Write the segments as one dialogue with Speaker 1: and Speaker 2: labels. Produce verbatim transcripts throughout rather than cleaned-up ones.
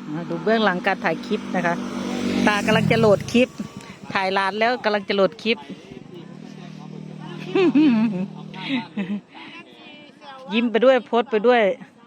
Speaker 1: ดูเบื้องหลังการถ่ายคลิปนะคะตากำลังจะโหลดคลิปถ่ายร้านแล้วกำลังจะโหลดคลิป ยิ้มไปด้วยโพสไปด้วย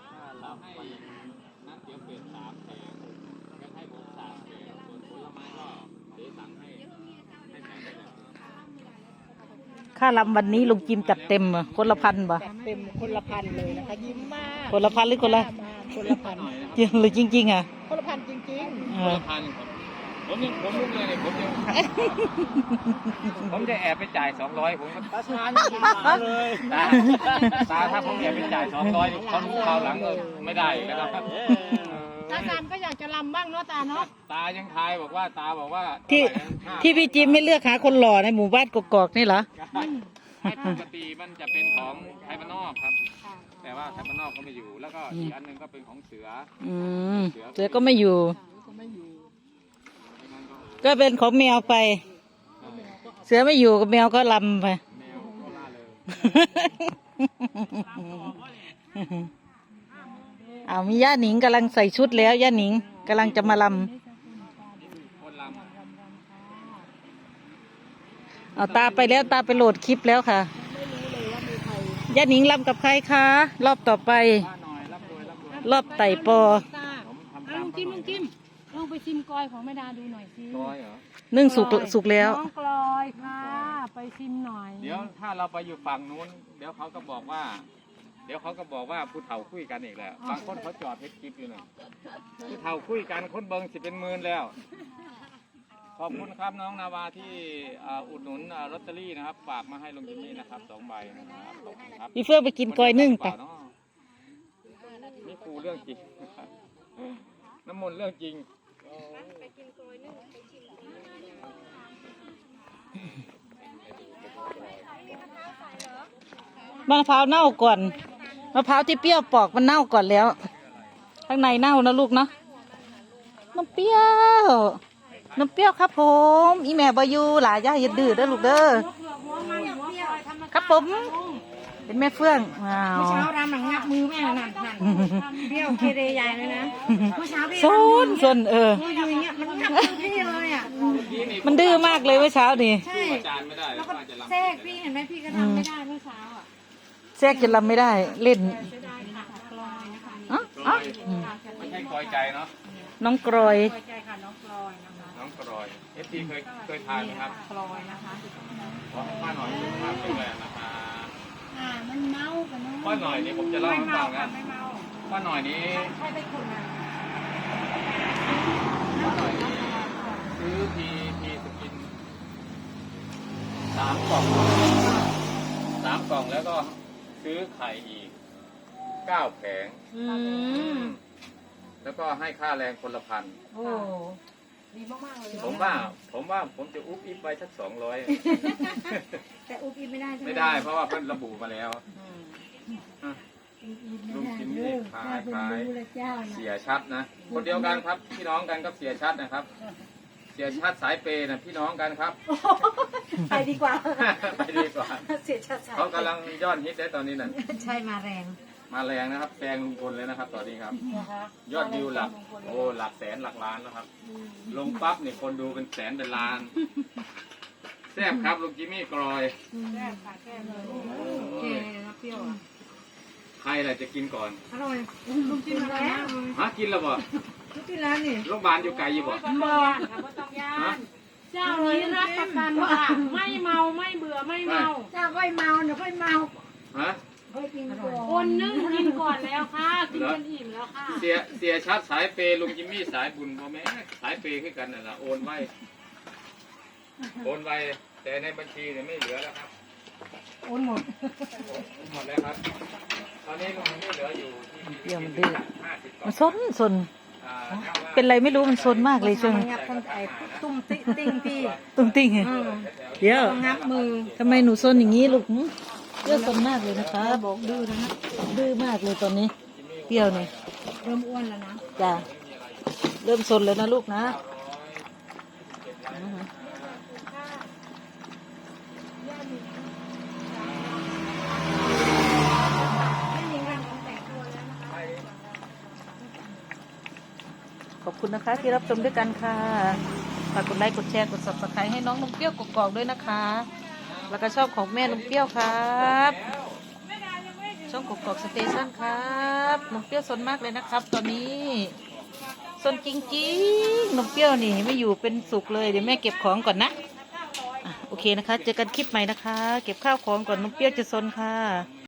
Speaker 1: ค่าลำวันนี้ลุงจิมจัดเต็มอ่ะคนละพันบ่
Speaker 2: เต็มคนละพันเลยนะคะยิ้มมาก
Speaker 1: คนละพันหรือคนละ
Speaker 2: คนละพัน
Speaker 1: จริงหรือจริงๆอ่ะ
Speaker 2: คนละพันจริง
Speaker 3: ๆคนละพันครับผมยังผมลุกเลยเนี่ยผมยังผมจะแอบไปจ่ายสองร้อยผม
Speaker 2: ตาชายังมาเลย
Speaker 3: ตาตาถ้าผมแอบไปจ่ายสองร้อยเขารู้คราวหลังไม่ได้นะครับ
Speaker 2: ตาชานก็อยากจะลำบ้างเนาะตาเนาะ
Speaker 3: ตายังทายบอกว่าตาบอกว่า
Speaker 1: ที่ที่พี่จิมไม่เลือกหาคนหล่อในหมู่บ้านกกอกนี่เหรอ
Speaker 3: ปกติมันจะเป็นของไทยบ้านนอกครับแต่ว่าไทยบ้านนอกก็ไม่อยู่แล้วก็อีกอันหนึ่งก็เป็นของเสือ
Speaker 1: อืมเสือก็ไม่อยู่ก็เป็นของแมวไปเสือไม่อยู่กับแมวก็ลำไปเอามีย่าหนิงกำลังใส่ชุดแล้วย่าหนิงกำลังจะมาลำเอาตาไปแล้วตาไปโหลดคลิปแล้วค่ะย่าหนิงลำกับใครคะรอบต่อไปรอบไต่ปอ
Speaker 4: ลุงจิ้มลุงจิ้มลองไปชิมกลอยของแม่ดาดูหน่อยสิ
Speaker 3: กลอยเหรอ
Speaker 1: นึ่งสุกสุกแล้ว
Speaker 4: น้องกลอยค่ะไปชิมหน่อย
Speaker 3: เดี๋ยวถ้าเราไปอยู่ฝั่งนู้นเดี๋ยวเขาก็บอกว่าเดี๋ยวเขาก็บอกว่าผู้เฒ่าคุยกันอีกแล้วบางคนเขาจอดเพชรคลิปอยู่น่ะผู้เฒ่าคุยกันคนเบิงสิเป็นหมื่นแล้วขอบคุณครับน้องนาวาที่อุดหนุนลอตเตอรี่นะครับฝากมาให้ลุงจิมมี่นะครับสองใบนะครับขอบคุณครับ
Speaker 1: พี่เฟื่องไปกินกลอยนึ่งไป
Speaker 3: นี่ครูเรื่องจริงน้ำมนต์เรื่องจริง
Speaker 1: มะพร้าวเน่าก่อนมะพร้าวที่เปรี้ยวปอกมันเน่าก่อนแล้วข้างในเน่านะลูกเนาะน้ำเปรี้ยวน้ำเปรี้ยวครับผมอีแม่บายูหลายย่าอย่าดื้อเด้อลูกเด้อครับผมเป็นแม่เฟื่องว้าว
Speaker 4: เมื่อเช้าทำหนังงับมือแม่นั่นนั่นเปรี้ยวเกเรใหญ่เลยนะเมื่อเช้าพี่
Speaker 1: ซนซนเออ
Speaker 4: อยู่อย่างเงี้ยมันงับมือพี่เลยอ่ะ
Speaker 1: มันดื้อมากเลยเมื่อเช้านี่
Speaker 4: ใช่แล้วก็แทรกพี่เห็นไหมพี่ก็ทำไม่ได้เมื่อเช้าอ่ะ
Speaker 1: แทรกจะรำไม่ได้เล่น
Speaker 3: อ๋ออ๋อไม่ใช่กลอยใจเนาะ
Speaker 1: น้องกรอย
Speaker 4: กลอยใจค่ะน้องกลอยนะคะ
Speaker 3: น้องกรอยเอฟซีเคยเคยทานไหมครับ
Speaker 4: กลอยนะคะ
Speaker 3: ขอให้ป้าหน่อยสุขภาพแข็งแรงนะคะ
Speaker 4: อ่ามันเมากันเนาะ
Speaker 3: ป้าหน่อยนี่ผมจะเล่าให้ฟังนะป้าหน่อยนี้
Speaker 4: ใช่ไปคนนะ
Speaker 3: ป้าหน่อยนี้ซื้อทีทีสกินสามกล่องสามกล่องแล้วก็ซื้อไข่อีกเก้าแผงแล้วก็ให้ค่าแรงคนละพัน
Speaker 4: โอ้ดีมากๆเลย
Speaker 3: ผมว่าผมว่าผมจะอุ๊บอิ๊บไปสักสองร้อย
Speaker 4: แต่อุ๊บอิ๊บไม่ได้ใช่ไหม
Speaker 3: ไม่ได้เพราะว่าเพิ่นระบุมาแล้วลุงกินนี่ขายขายเสียชัดนะคนเดียวกันครับพี่น้องกันกับเสียชัดนะครับเสียชัดสายเปย์นะพี่น้องกันครับ
Speaker 4: ไปดีกว่า
Speaker 3: ไปดีกว่า
Speaker 4: เสียชัด
Speaker 3: เขากำลังยอดฮิตได้ตอนนี้นั่น
Speaker 4: ใช่มาแรง
Speaker 3: มาแรงนะครับแซงลุงพลเลยนะครับตอนนี้ครับยอดวิวหลักโอ้หลักแสนหลักล้านแล้วครับลงปั๊บเนี่ยคนดูเป็นแสนเป็นล้านแซ่บครับลุงจิมมี่กรอย
Speaker 4: แซ่บค่ะแซ่บเลยโอเคนะเปรี้ยวอ่ะ
Speaker 3: ใครแหละจะกินก่อน
Speaker 4: อร่อยลุงกินแล้ว
Speaker 3: ฮะกินแล้วบ่
Speaker 4: ลุงกินแล้วนี่
Speaker 3: โรงพยาบาลอยู่ไกลอยู่บ่
Speaker 4: บ่ฮะเจ้านี้รับประกันว่าไม่เมาไม่เบื่อไม่เมาเจ้าค่อยเมาเดี๋ยวค่อยเมา
Speaker 3: ฮะ
Speaker 4: คนนึงกินก่อนแล้วค่ะกินจนอิ่มแล้วค่ะ
Speaker 3: เสียเสียชัดสายเปย์ลุงจิมมี่สายบุญพ่อแม่สายเปย์ขึ้นกันน่ะละโอนไว้โอนไว้แต่ในบัญชีเนี่ยไม่เหลือแล้วครับ
Speaker 4: โอนหมด
Speaker 3: หมดแล้วครับตอนนี้ลุงจิมมี่เหลืออยู่ที่
Speaker 1: เยี่ยมดื้อมันซนซนเป็นไรไม่รู้มันซนมากเลยช่วง
Speaker 4: งับทั้งไอ้ตุ้มติ้งติ้งพี่
Speaker 1: ตุ้มติ้งเดี๋ยว
Speaker 4: งับมือ
Speaker 1: ทำไมหนูซนอย่างนี้ลูกเปรี้ยวซนมากเลยนะคะบอกดื้อนะฮะดื้อมากเลยตอนนี้เปรี้ยวเนี่ย
Speaker 4: เริ่มอ้วนแล้วนะ
Speaker 1: จ้ะเริ่มซนแล้วนะลูกนะขอบคุณนะคะที่รับชมด้วยกันค่ะฝากกดไลค์กดแชร์กด ซับสไครบ์ ให้น้องนมเปรี้ยวกกอกด้วยนะคะ แล้วก็ชอบของแม่นมเปรี้ยวครับช่องกกอกสเตชันครับนมเปรี้ยวสนมากเลยนะครับ ตอนนี้สนจริงๆนมเปรี้ยวนี่ไม่อยู่เป็นสุขเลยเดี๋ยวแม่เก็บของก่อนนะอ่ะโอเคนะคะเจอกันคลิปใหม่นะคะ เก็บข้าวของก่อนนมเปรี้ยวจะสนค่ะ